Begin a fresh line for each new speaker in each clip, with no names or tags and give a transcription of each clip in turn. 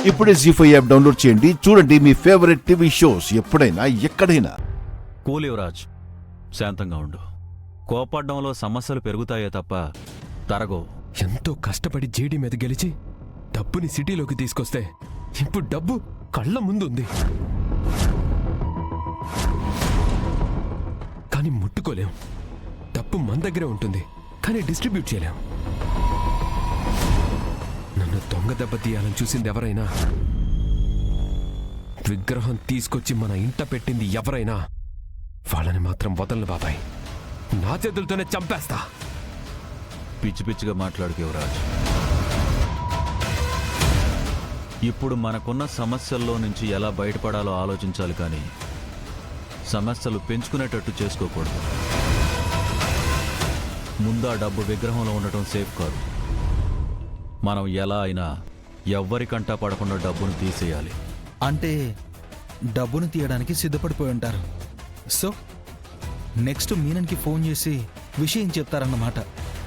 ఇప్పుడే జీ5 app download చేయండి. చూడండి మీ ఫేవరెట్ టీవీ షోస్ ఎప్పుడైనా ఎక్కడైనా.
కూల్ యువరాజ్, శాంతంగా ఉండు. కోపడ్డంలో సమస్యలు పెరుగుతాయే తప్ప తరగో.
ఎంతో కష్టపడి జేడీ మీద గెలిచి డబ్బుని సిటీలోకి తీసుకొస్తే ఇప్పుడు డబ్బు కళ్ళ ముందుంది, కానీ ముట్టుకోలేం. డబ్బు మన దగ్గరే ఉంటుంది, కానీ డిస్ట్రిబ్యూట్ చేయలేం. నన్ను దొంగ దెబ్బ తీయాలని చూసింది ఎవరైనా, విగ్రహం తీసుకొచ్చి మన ఇంట పెట్టింది ఎవరైనా, వాళ్ళని మాత్రం వదలను బాబాయ్. నా చేతులతోనే చంపేస్తా.
పిచ్చి పిచ్చిగా మాట్లాడుకు యువరాజ్. ఇప్పుడు మనకున్న సమస్యల్లో నుంచి ఎలా బయటపడాలో ఆలోచించాలి, కానీ సమస్యలు పెంచుకునేటట్టు చేసుకోకూడదు. ముందా డబ్బు విగ్రహంలో ఉండటం సేఫ్ కాదు. మనం ఎలా అయినా ఎవ్వరికంటా పడకుండా డబ్బును తీసేయాలి.
అంటే డబ్బును తీయడానికి సిద్ధపడిపోయి ఉంటారు. సో నెక్స్ట్ మీనన్కి ఫోన్ చేసి విషయం చెప్తారన్నమాట.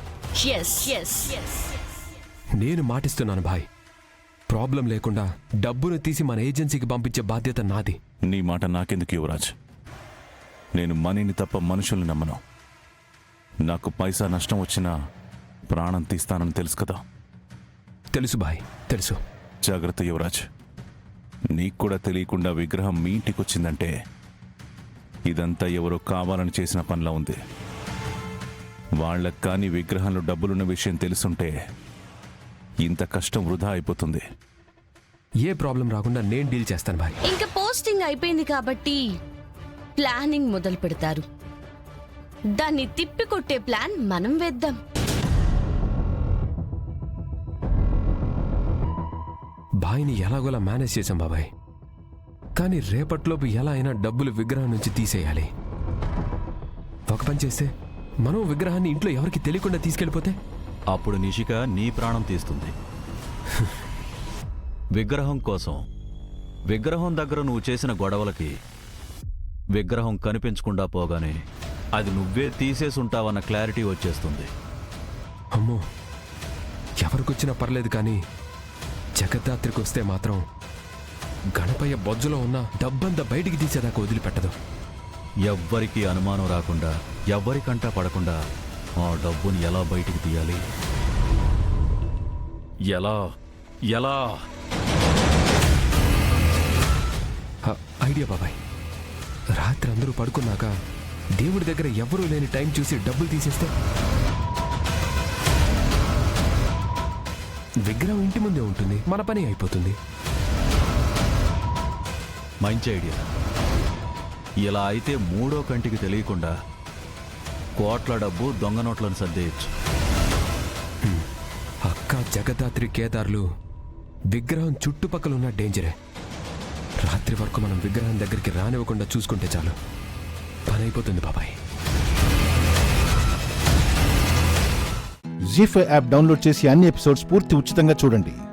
నేను మాటిస్తున్నాను భాయ్, ప్రాబ్లం లేకుండా డబ్బును తీసి మన ఏజెన్సీకి పంపించే బాధ్యత నాది.
నీ మాట నాకెందుకు యువరాజ్? నేను మనీని తప్ప మనుషుల్ని నమ్మను. నాకు పైసా నష్టం వచ్చినా ప్రాణం తీస్తానని తెలుసు కదా.
తెలుసు భాయ్, తెలుసు.
జాగ్రత్త యువరాజ్. నీకు కూడా తెలియకుండా విగ్రహం మీ ఇంటికి వచ్చిందంటే ఇదంతా ఎవరో కావాలని చేసిన పనిలా ఉంది. వాళ్ళకి కానీ విగ్రహంలో డబ్బులున్న విషయం తెలుసుంటే ఇంత కష్టం వృధా అయిపోతుంది.
ఏ ప్రాబ్లం రాకుండా నేను డీల్ చేస్తాను భాయ్.
ఇంకా పోస్టింగ్ అయిపోయింది కాబట్టి ప్లానింగ్ మొదలు పెడతారు. దాన్ని తిప్పికొట్టే ప్లాన్ మనం వేద్దాం.
భాయ్ని ఎలాగోలా మేనేజ్ చేశాం బాబాయ్, కానీ రేపట్లోపు ఎలా అయినా డబ్బులు విగ్రహం నుంచి తీసేయాలి. ఒక పని చేస్తే మనం విగ్రహాన్ని ఇంట్లో ఎవరికి తెలియకుండా తీసుకెళ్ళిపోతే
అప్పుడు నిషిక నీ ప్రాణం తీస్తుంది. విగ్రహం కోసం, విగ్రహం దగ్గర నువ్వు చేసిన గొడవలకి విగ్రహం కనిపించకుండా పోగానే అది నువ్వే తీసేసుంటావన్న క్లారిటీ వచ్చేస్తుంది.
అమ్మో, ఎవరికొచ్చినా పర్లేదు, కానీ జగద్ధాత్రికి వస్తే మాత్రం గణపయ్య బొజ్జులో ఉన్న డబ్బంతా బయటికి తీసేదాకా వదిలిపెట్టదు.
ఎవ్వరికీ అనుమానం రాకుండా, ఎవ్వరికంటా పడకుండా ఆ డబ్బుని ఎలా బయటికి తీయాలి? ఎలా ఎలా
ఐడియా బాబాయ్. రాత్రి అందరూ పడుకున్నాక దేవుడి దగ్గర ఎవరూ లేని టైం చూసి డబ్బులు తీసేస్తే విగ్రహం ఇంటి ముందే ఉంటుంది, మన పని అయిపోతుంది.
మంచి ఐడియా. ఇలా అయితే మూడో కంటికి తెలియకుండా కోట్ల డబ్బు దొంగ నోట్లను సర్దేయచ్చు.
అక్క, జగదాత్రి, కేదార్లు విగ్రహం చుట్టుపక్కల ఉన్న డేంజరే. రాత్రి వరకు మనం విగ్రహం దగ్గరికి రానివ్వకుండా చూసుకుంటే చాలు, పని అయిపోతుంది బాబాయ్.
జీ5 యాప్ డౌన్లోడ్ చేసి అన్ని ఎపిసోడ్స్ పూర్తి ఉచితంగా చూడండి.